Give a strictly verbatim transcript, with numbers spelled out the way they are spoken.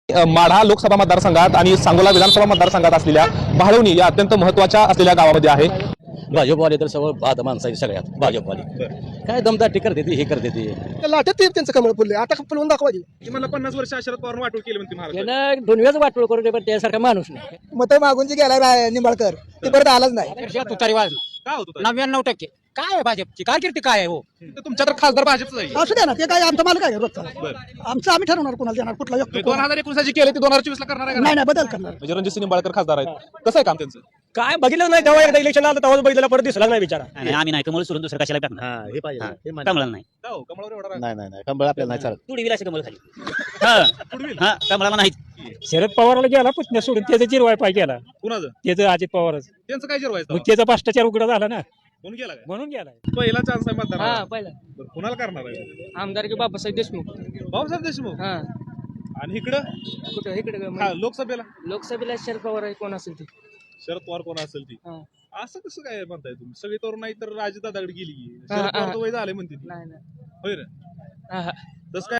अ, माढा लोकसभा मतदारसंघात आणि सांगोला विधानसभा मतदारसंघात असलेल्या भाळवणी या अत्यंत महत्त्वाच्या असलेल्या गावामध्ये आहे. भाजपवाले तर सगळं बाद माणसं आहे सगळ्यात भाजपवाले काय दमदाटी करते ती हे करते ती लाटत ते त्यांचं कमळ फुलले आता फुलवून दाखवायची. मला पन्नास वर्ष शरद पवार वाटून केली म्हणते महाराष्ट्रात. त्यानं दोन्हीच वाटोळ करू दे पण त्यासारखा माणूस नाही. मत मागून जे गेला निंबाळकर ते परत आलाच नाही. तुतारी वाज काय होतं नव्याण्णव टक्के काय आहे भाजपची कारकिर्दी काय आहे हो. तुमच्या तर खासदार भाजपचं आहे. असू द्या ना ते काय आमचा मालक आहे रोजचा. आमचं आम्ही ठरवणार कोणाला देणार कुठला व्यक्ती दोन हजार एकोणीस जी केले ते दोन हजार चोवीस ला करणार आहे का? नाही नाही बदल करणार. म्हणजे रणजितसिंह निंबाळकर खासदार आहेत. कसं आहे काम त्यांचं? काय बघितलं नाही तेव्हा एकदा इलेक्शन आलं तेव्हा बघितलं परत दिसला नाही बिचारा. आणि आम्ही नाही कमळ सोडून दुसरं कशाला टाकणार हे पाहिजे कमळाला नाही का हो, कमळावर एवढा राग? नाही नाही नाही कंबळ आपल्याला नाही चालत. तुडी विलास कमळ खाली हा हा कमळाला नाही शरद पवारला गेला पुतण्या सोडून त्याचं जिरवाय पाय केला कुणाचं? त्याचं अजित पवारच त्यांचं काय जिरवायचं? मग त्याचा भ्रष्टाचार उघडा झाला ना कोण गेला काय? म्हणून गेला. पहिला चान्स आहे हा मतदार. पहिला कुणाला करणार आहे? आमदार की बाबासाहेब देशमुख. भाऊसाहेब देशमुख. हा आणि इकडं कुठं इकडे हा, लोकसभेला लोकसभेला शरद पवार आहे कोण असेल ते. शरद पवार कोण असेल ती. हा. असं कसं काय म्हणताय तुम्ही? सगळी तरुण नाही तर राजदादाकडे गेली की हा, शरद पवार हा. तर वय झाले म्हणते ती. नाही नाही होय रे हा, हा. तसं काय